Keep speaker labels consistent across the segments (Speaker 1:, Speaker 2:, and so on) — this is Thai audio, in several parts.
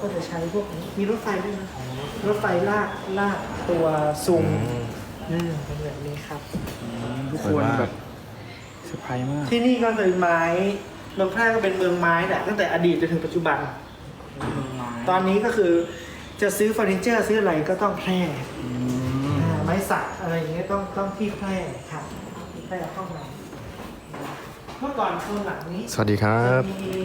Speaker 1: ก็จะใช้พวกนี้มีรถไฟด้วยนะรถไฟลากตัวซุงเป็นแบบนี้ครับ
Speaker 2: ทุกคนแบบเซอร์ไพรส์มาก
Speaker 1: ที่นี่ก็เป็นไม้เมืองแพร่ก็เป็นเมืองไม้แหละตั้งแต่อดีตจนถึงปัจจุบันตอนนี้ก็คือจะซื้อเฟอร์นิเจอร์ซื้ออะไรก็ต้องแพร่ไม้สักอะไรอย่างเงี้ยต้องที่แพร่ครับแพร่ห้องน้ำเมื่อก่อนโซนหลังนี้
Speaker 3: สวัสดีครับ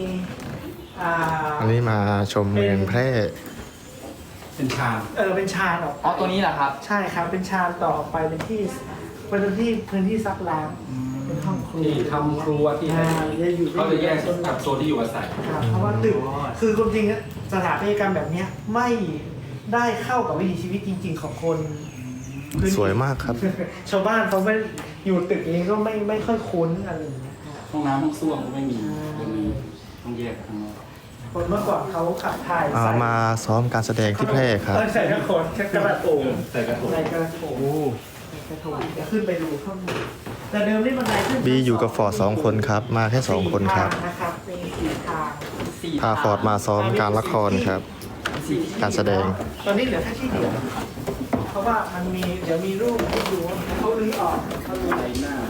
Speaker 3: อันนี้มาชมเมืองแพร่
Speaker 2: เป็นชาน
Speaker 1: เป็นชานออก
Speaker 2: อ๋อตัวนี้เหรอครับ
Speaker 1: ใช่ครับเป็นชานต่อออกไปเป็นที่พื้นที่ซักล้างเป็นห้องครัว
Speaker 4: ที่ทำครัวที่เขาจะแยกกับโซนที่อยู่อาศัย
Speaker 1: เพราะว่าตึกคือความจริงสถาปัตยกรรมแบบนี้ไม่ได้เข้ากับวิถีชีวิตจริงๆของคน
Speaker 3: สวยมากครับ
Speaker 1: ชาวบ้านเขาไม่อยู่ตึกนี้ก็ไม่ค่อยคุ้นอะไรอย่างเงี้ย
Speaker 4: ห้องน้ำห้องส้วมก็ไม่มีตรงนี้ต้องแยกข้างนอก
Speaker 1: คนเมื่อก่อนเขาขับถ่าย
Speaker 3: มาซ้อมการแสดงที่แพร่ครับ
Speaker 1: ใส่กระโถนกระโถน
Speaker 4: ใส่กระโถน
Speaker 1: จะขึ้นไปดูข้างบนแต่เดิมนี่บันไดขึ้น
Speaker 3: บีอยู่กับฟอร์ด2 คนครับมาแค่2 คนครับพาฟอร์ดมาซ้อมการละครครับการแสดง
Speaker 1: ตอนนี้เหลือแค่ที่เดียวเพราะว่ามันมีเดี๋ยวมีรูปให้ดูเขาลื้อออกเขาลื้อหน้า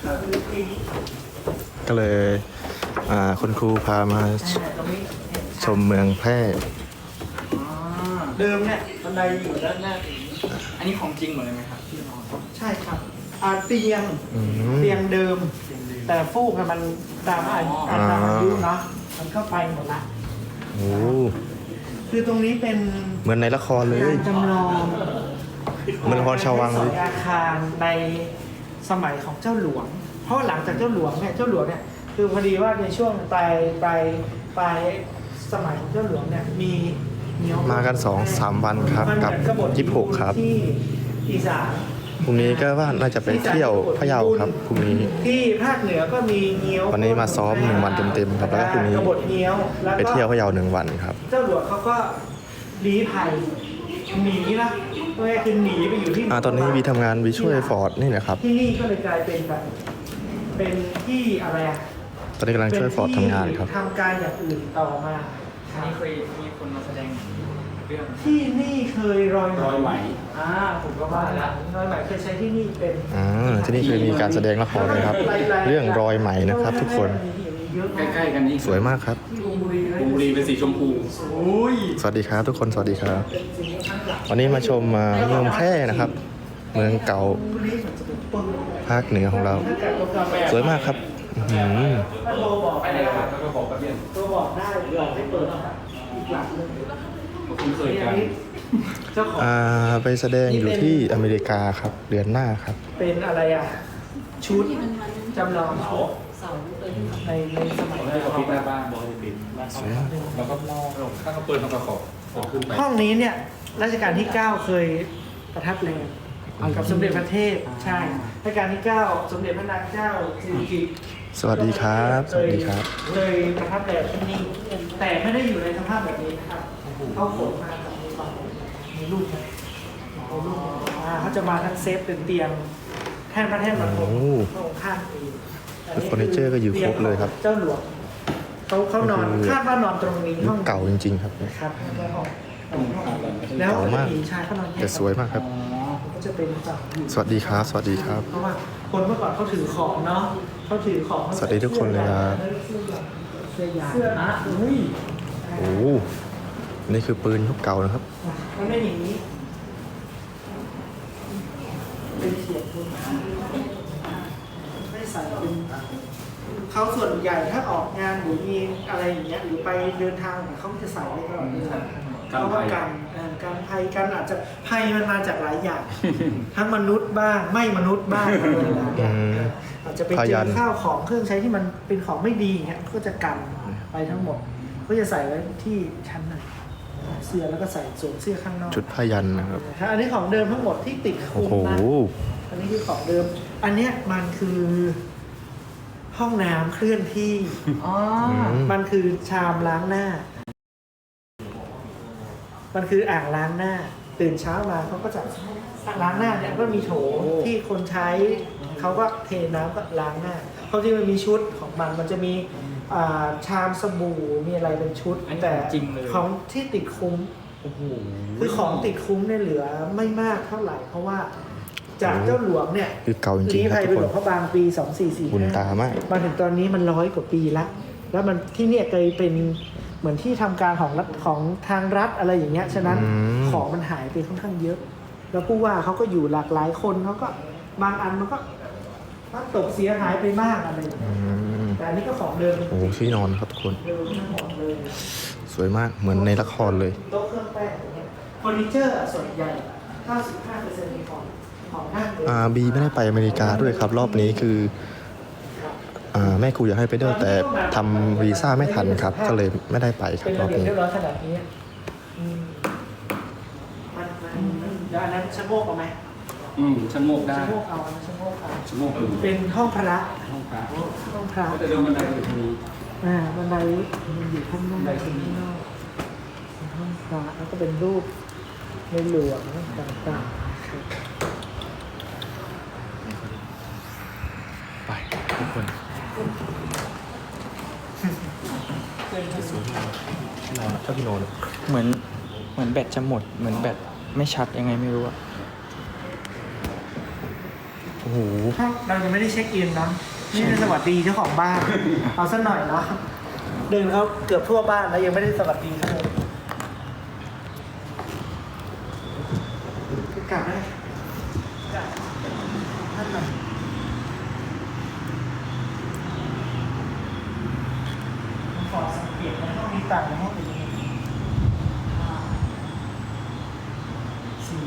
Speaker 3: ก็เลยคุณครูพามาชมเมืองแพร่
Speaker 1: เดิมเนี่ยบันไดอยู่ด้านหน้า
Speaker 2: อันนี้ของจริงหมดเลยไหมครับที่นอน
Speaker 1: ใช่ครับเตียงเดิมแต่ฟูกมันตามอายุเนาะมันเข้าไปหมดละ
Speaker 3: โอ้
Speaker 1: คือตรงนี้เป็น
Speaker 3: เหมือนในละครเลย
Speaker 1: จำลอง
Speaker 3: เหมือนละครชาววังเลย
Speaker 1: อาคารในสมัยของเจ้าหลวงเพราะหลังจากเจ้าหลวงเนี่ยคือพอดีว่าในช่วงปลายสมัยของเจ้าหลวงเนี่ยมี
Speaker 3: มากัน 2-3 วันครับกับ26ครับ
Speaker 1: ที่อีสาน
Speaker 3: พรุ่งนี้ก็ว่าน่าจะไปเที่ยวพะเยาครับพรุ่งนี้
Speaker 1: ที่ภาคเหนือก็มีเงี้ยว
Speaker 3: วันนี้มาซ้อม1 วันเต็มๆครับแล้วก็พรุ่งนี้ไปเที่ยวพะเยา1 วันครับ
Speaker 1: เจ้าหลวงเขาก็ลี้ภัยหนีนะตัวแรกคือหนีไปอยู่ที่
Speaker 3: ตอนนี้วีทำงานวีช่วยฟอร์ดนี่นะครับ
Speaker 1: ที่นี่ก็เลยกลายเป็นแบบเป็นที่อะไร
Speaker 3: ตอนนี้กำลังช่วยฟอร์ดทำงานครับ
Speaker 1: ทำการอย่างอื่นต่อมา
Speaker 2: นี่เคยมีคนมาแสดงเรื่อง
Speaker 1: ที่นี่เคยรอย
Speaker 4: ไหม
Speaker 1: ผมก็ว่าแล้วรอยไหมเคยใช้ที่นี่เป็น
Speaker 3: ที่นี่เคยมีการแสดงละครนะครับเรื่องรอยไหมนะครับทุกคน
Speaker 4: ใกล้ๆกันนี่
Speaker 3: สวยมากครับ
Speaker 4: บุรีเป็นสีชมพู
Speaker 3: สวัสดีครับทุกคนสวัสดีครับวันนี้มาชมเมืองแพร่นะครับเมืองเก่าภาคเหนือของเราสวยมากครับ
Speaker 4: ไปไหนครับก็บอกกับเรียน
Speaker 1: ตัวบอกได้หลอกให้เปิดอีกหลักนึง
Speaker 4: คุ้นเคยกัน
Speaker 3: ไปแสดงอยู่ที่อเมริกาครับเดือนหน้าครับ
Speaker 1: เป็นอะไรชุดจำลองในสมัย
Speaker 4: เขาปิดหน้าบ้านบอกให้ปิดแล้วก็ถ้าเขาเปิดเขาก็ขอขึ้นไป
Speaker 1: ห้องนี้เนี่ยรัชกาลที่9เคยประทับแรมกับสมเด็จพระเทพใช่รัชกาลที่9สมเด็จพระนางเจ้าสิริกิติ์
Speaker 3: สวัสดีครับสวัสดีครับ
Speaker 1: เลยประทับแรมที่นี่แต่ไม่ได้อยู่ในสภาพแบบนี้นะครับเขาขนมาจากมีรูปนะเขาจะมาทั้งเซฟเป็นเตียงแท่นพระแท่นบรรทมพระองค์ข้างปี
Speaker 3: เฟอร์นิเจอร์ก็อยู่ครบเลยครับ
Speaker 1: เจ้าหลวงเขานอนคาดว่านอนตรงนี้
Speaker 3: ห้องเก่าจริงๆครับ
Speaker 1: ครับแล้ว
Speaker 3: มากแต่สวยมากครับ
Speaker 1: จะเป็น
Speaker 3: สวัสดีครับสวัสดีครับ
Speaker 1: เพราะว่าคนเมื่อก่อนเขาถือของเนาะเขาถือของ
Speaker 3: สวัสดีทุกคนเลยครับ
Speaker 1: เสื้อนะ
Speaker 3: โอ้นี่คือปืนยุคเก่านะครับ
Speaker 1: มันไม่อย่างนี้เป็นเสียบปืนไม่ใส่เป็นเขาส่วนใหญ่ถ้าออกงานหรือมีอะไรอย่างเงี้ยหรือไปเดินทางเขาจะใส่ไว้ตลอดเลยเพราะว่าการภัยกันอาจจะภัยมันมาจากหลายอย่างทั้งมนุษย์บ้างไม่มนุษย์บ้างอะไรอย่างอาจจะไปเจอข้าวของเครื่องใช้ที่มันเป็นของไม่ดีอย่างเงี้ยก็จะกันไปทั้งหมดก็จะใส่ไว้ที่ชั้นหนึ่งเสื้อแล้วก็ใส่สวมเสื้อข้างนอก
Speaker 3: ชุดพยัญชนะครับ
Speaker 1: อันนี้ของเดิมทั้งหมดที่ติดคุมนะอันนี้คือของเดิมอันเนี้ยมันคือห้องน้ำเคลื่อนที่มันคือชามล้างหน้ามันคืออ่างล้างหน้าตื่นเช้ามาเขาก็จะล้างหน้าเนี่ยก็มีโถที่คนใช้เขาก็เทน้ำก็ล้างหน้าเขาที่มันมีชุดของมันจะมีชามสบู่มีอะไรเป็นชุดแต่ของที่ติดคุ้ม
Speaker 2: โอ้โห
Speaker 1: คือของติดคุ้มเนี่ยเหลือไม่มากเท่าไหร่เพราะว่าจากเจ้าหลวงเนี่ย
Speaker 3: คือเก่าจริง
Speaker 1: ลี้
Speaker 3: ๆค
Speaker 1: ภั
Speaker 3: รับ
Speaker 1: ย
Speaker 3: ทุ
Speaker 1: เป็น
Speaker 3: ก
Speaker 1: ห
Speaker 3: ค
Speaker 1: ล
Speaker 3: น
Speaker 1: วงพ่อบางปี2445
Speaker 3: บุญตามาก
Speaker 1: มาถึงตอนนี้มัน100 กว่าปีละแล้วมันที่เนี่ยเคยเป็นเหมือนที่ทำการของรัฐของทางรัฐอะไรอย่างเงี้ยฉะนั้น
Speaker 3: อืม
Speaker 1: ของมันหายไปค่อนข้างเยอะ แล้วผู้ว่าเขาก็อยู่หลากหลายคนเขาก็บางอันมันก็ตกเสียหายไปมากอะไรอย่างเงี้ย แต่อันนี้ก็ของเดิม
Speaker 3: โอ้โหที่นอนครับทุกคน
Speaker 1: เดิมทั้งหมดเลย
Speaker 3: สวยมากเหมือนในละครเลย
Speaker 1: โต๊ะเครื่องแป้งอย่างเงี้ยเฟอร์นิเจอร์อะส่วนใหญ่ 95%มีของนั่งเลย
Speaker 3: บีไม่ได้ไปอเมริกาด้วยครับ รอบนี้คือแม่ครูอยากให้ไปด้วยแต่ทำวีซ่าไม่ทันครับ ก็เลยไม่ได้ไปครั
Speaker 1: เป็
Speaker 3: บ
Speaker 1: น
Speaker 3: รอ
Speaker 1: ระ
Speaker 3: บ
Speaker 1: เบียบ
Speaker 3: นี้
Speaker 1: เรียบร้อยขนาดนี้อืมเดี๋ยวอันนั้นชะโงกเอาไหม
Speaker 4: ชั้นโมกได้
Speaker 1: ชะโงกเอาอันนั้นชะโงกเอา
Speaker 4: ชั้นโมกคือ
Speaker 1: เป็นห้องพระ
Speaker 4: ห้องพระ
Speaker 1: ห้องพระ
Speaker 4: ก็จะเดินบันไดอยู่ตรงนี้
Speaker 1: บันไดมันอยู่ข้างนอก
Speaker 4: บันไดขึ้น
Speaker 1: ข้างนอกเป็นห้องพระแล้วก็เป็นรูปในหลวงต่างๆครับ
Speaker 2: ไปทุกคน
Speaker 3: ที่นอนชอบที่นอน
Speaker 2: เหมือนแบตจะหมด เหมือนแบตไม่ชัดยังไงไม่รู้อะโอ้โห
Speaker 1: เรายังไม่ได้เช็คอินนะนี่เป็นสวัสดีเจ้าของบ้าน เอาสักหน่อยเนาะเดินเขาเกือบทั่วบ้านแล้วยังไม่ได้สวัสดีเขาเลยกลับได้กลับท่านหน่อยผมขอสังเกตในห้องนี้ต่างในห้องอื่นสี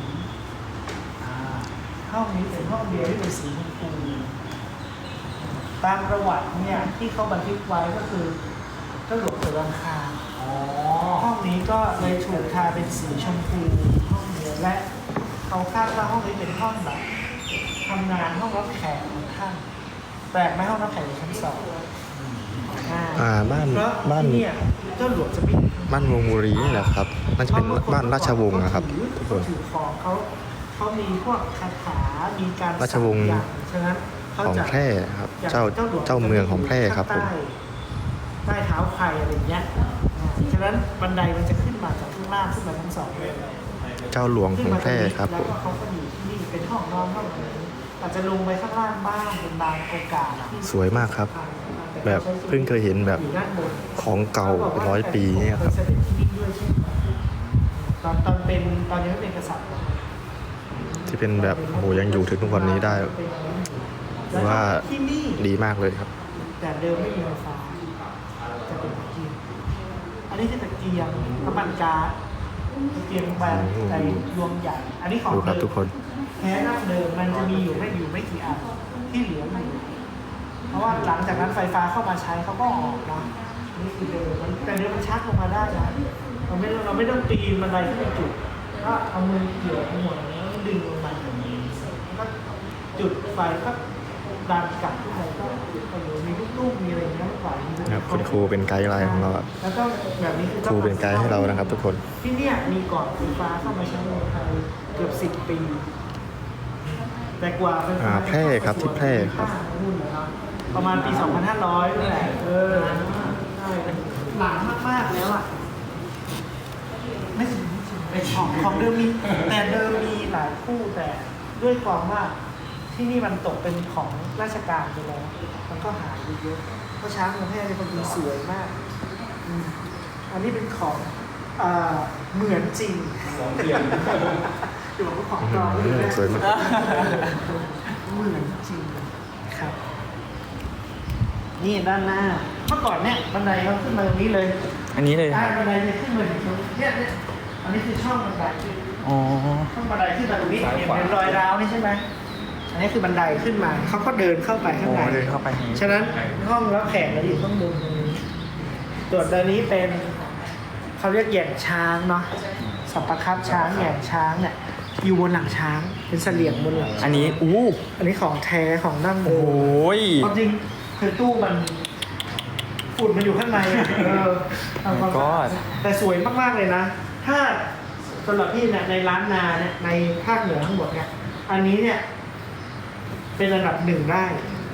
Speaker 1: ห้องนี้เป็นห้องเดียวที่เป็นสีชมพูตามประวัติเนี่ยที่เขาบันทึกไว้ก็คือเจ้าหลวงเสือรังคารห้องนี้ก็เลยถูกทาเป็นสีชมพูห้องเดียวและเขาคาดว่าห้องนี้เป็นห้องแบบทำงานห้องรับแขกของท่านแปลกไหมห้องรับแขกอยู่ชั้น2
Speaker 3: บ้าน
Speaker 1: เพราะ
Speaker 3: บ้าน
Speaker 1: ที่เนี่ยเจ้าหลวงจะไม่
Speaker 3: บ้านวงบุรีนี่แหละครับน่าจะเป็นบ้านราชวงศ์นะครับทุกคน
Speaker 1: ถือของเขามีพวกคาถา มีการ
Speaker 3: ราชวงศ์
Speaker 1: สักยันต์ฉะนั้นเขา
Speaker 3: ของ
Speaker 1: จะ
Speaker 3: แพร่ครับ
Speaker 1: อย่าง
Speaker 3: เจ้า
Speaker 1: หลว
Speaker 3: เจ้าเมืองของแพร่ครับผม
Speaker 1: ใต้เท้าใครอะไรอย่างเงี้ยฉะนั้นบันไดมันจะขึ้นมาจากข้างล่างขึ้นมาทั้งสองเลย
Speaker 3: เจ้าหลวงของแพร่ครับผ
Speaker 1: แล้ว
Speaker 3: ม
Speaker 1: ก็เขาก็อยู่ที่นี่เป็นห้องนอนห้องอะไรอาจจะลงไปข้างล่างบ้างเป็นบางโอกาสอะ
Speaker 3: สวยมากครับ แบบเพิ่งเคยเห็นแบบ
Speaker 1: อยู่ด้านบน
Speaker 3: ของเก่าเป็น100 ปีเนี่ยครับ
Speaker 1: เสด็จที่นี่ด้วยใช่ไหมตอนเป็นตอนยังไม่เป็นกษัตริย์
Speaker 3: ที่เป็นแบบโอ้โหยังอยู่ถึงทุกวันนี้ได้ ว่า
Speaker 1: ที่นี่
Speaker 3: ดีมากเลยครับ
Speaker 1: แต่เดิมไม่มีไฟฟ้าจะเป็นตะเกียงอันนี้คือตะเกียงน้ำมันก๊าซตะเกียงแบบในดวงใหญ่ อันนี้ของ
Speaker 3: ดูครับ
Speaker 1: เดิม
Speaker 3: ทุกคน
Speaker 1: แท้ดั้งเดิมมันจะมีอยู่ไม่กี่อันที่เหลืออยู่เพราะว่าหลังจากนั้นไฟฟ้าเข้ามาใช้เขาก็ออกนะนี่คือเดิมแต่เดิมมันชักลงมาได้นะเราไม่ต้องปีนบันไดที่เป็นจุดก็เอามือเกี่ยวทั้งหมดแล้วดึงลงมาแล้วก็จุดไฟก็ดันกลับขึ้นไปก็มีลูกๆมีอะไรอย่างเงี้ยไหว
Speaker 3: ครับคุณครูเป็นไกด์ไลน์ของเราครับ
Speaker 1: แล้วก็แบบนี้คือ
Speaker 3: ครูเป็นไกด์ให้เรานะครับ ทุกคน
Speaker 1: ที่เนี่ยมีก่อนไฟฟ้าเข้ามาใช้ในไทยเกือบ10 ปี แต่กว่าไฟฟ้า
Speaker 3: แพร่ครับที่แพร่ครับ
Speaker 1: ประมาณปี 2500นั่นแหละใช่หลังมากๆแล้วอ่ะไม่ถึงเป็นของเดิมมีแต่เดิมมีหลายคู่แต่ด้วยความว่าที่นี่มันตกเป็นของราชการไปแล้วมันก็หายไปเยอะเพราะช้างเมืองแพร่เป็นคนดีสวยมากอันนี้เป็นของเหมือนจริงเดี๋ยวผมของปลอมเลยนะ
Speaker 3: สวยมาก
Speaker 1: เหมือนจริงครับ นี่ด้านหน้า เมื่อก่อนเนี่ยบันไดเขาขึ้นมาตรงนี้เลย
Speaker 2: อันนี้เลยครับ
Speaker 1: บันไดเนี่ยขึ้นมาถึงตรงนี้เนี่ยอันนี้คือช่องบันได
Speaker 2: อ๋อ
Speaker 1: ช่องบันไดขึ้นมาตรงนี้เห็นรอยร้าวนี่ใช่ไหมอันนี้คือบันไดขึ้นมาเขาก็เดินเข้าไปข้างใน
Speaker 2: เดินเข้าไปอย่างนี้
Speaker 1: ฉะนั้นห้องรับแขกเราอยู่ข้างบนตรงนี้ส่วนตอนนี้เป็นเขาเรียกแหย่งช้างเนาะสัปปะครับช้างแหย่งช้างเนี่ยอยู่บนหลังช้างเป็นเสลี่ยงบนหลังช้าง
Speaker 2: อันนี้อู้
Speaker 1: อันนี้ของแท้ของดั้งเดิ
Speaker 2: โอ้
Speaker 1: ม
Speaker 2: ย
Speaker 1: ความจริงคือตู้มันฝุ่นมันอยู่ข้างในอะทำความสะอาดแต่สวยมากๆเลยนะ ถ้าสำหรับพี่เนี่ยในร้านนาเนี่ยในภาคเหนือทั้งหมดเนี่ย อันนี้เนี่ย เป็นระดับ1ได้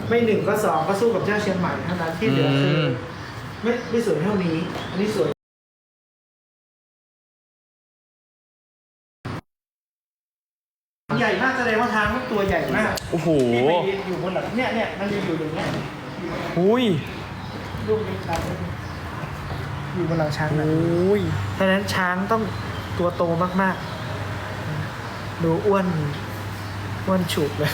Speaker 1: ไม่หนึ่งก็สองก็สู้กับเจ้าเชียงใหม่เท่านั้นที่เหลือคือไม่สวยเท่านี้ อันนี้สวยใหญ่มากแสดงว่าทางตัวใหญ่มาก
Speaker 2: โอ้โห
Speaker 1: ที่ไปอยู่บนหลังเนี่ยมันจะอยู่อย่างเงี้ย
Speaker 2: อุ้ย
Speaker 1: ลูกนี้ช้างอยู่บนหลังช้างนะ
Speaker 2: อุ้ย
Speaker 1: เพราะฉะนั้นช้างต้องตัวโตมากๆดูอ้วนฉุกเลย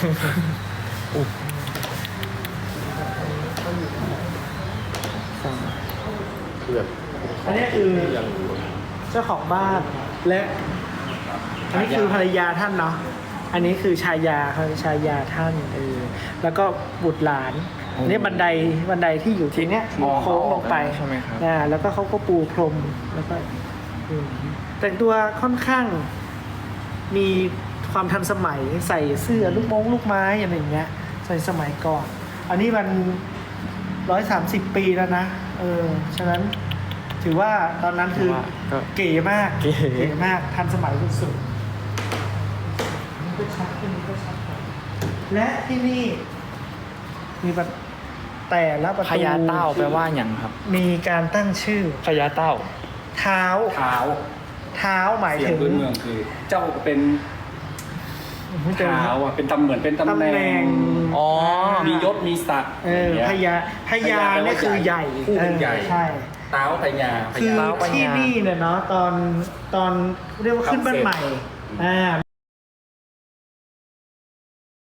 Speaker 3: คือแบบ
Speaker 1: อันนี้คือเจ้าของบ้านและอันนี้คือภรรยาท่านเนาะอันนี้คือชายาเขาชายาท่านแล้วก็บุตรหลานอันนี้บันไดที่อยู่ทีเนี้ยโค้งลงไป
Speaker 2: ใช่ไหมครับ
Speaker 1: แล้วก็เขาก็ปูพรมแล้วก็แต่งตัวค่อนข้างมีความทันสมัยใส่เสื้อลูกไม้อะไรอย่างเงี้ยใส่สมัยก่อน อันนี้มัน130 ปีแล้วนะฉะนั้นถือว่าตอนนั้นคือเก๋มาก
Speaker 2: เก๋
Speaker 1: มากทันสมัยสุดๆนี่ก็ชัดขึ้นนี่ก็ชัดกว่าและที่นี่มีแต่ละประตู
Speaker 2: พญาเต้าแปลว่าอย่างครับ
Speaker 1: มีการตั้งชื่อ
Speaker 2: พญาเต้า
Speaker 1: เท้า
Speaker 4: เท้า
Speaker 1: หมาย
Speaker 4: เสีย
Speaker 1: ถึ
Speaker 4: ง
Speaker 1: ง
Speaker 4: พื้นเมืองคือ เจ้าเป็นเท้าอ่ะเป็นเหมือนเป็นตำแหน่ง
Speaker 2: อ๋อ
Speaker 4: มียศมีศักดิ์
Speaker 1: พญาเนี่ยคือใหญ่
Speaker 4: ผู้เป็นใหญ่
Speaker 1: ใช่
Speaker 4: เท้าพญา
Speaker 1: คือ
Speaker 2: เท้าพญา
Speaker 1: ที่นี่เนี่ยเนาะตอนเรียกว่าขึ้นบ้านใหม่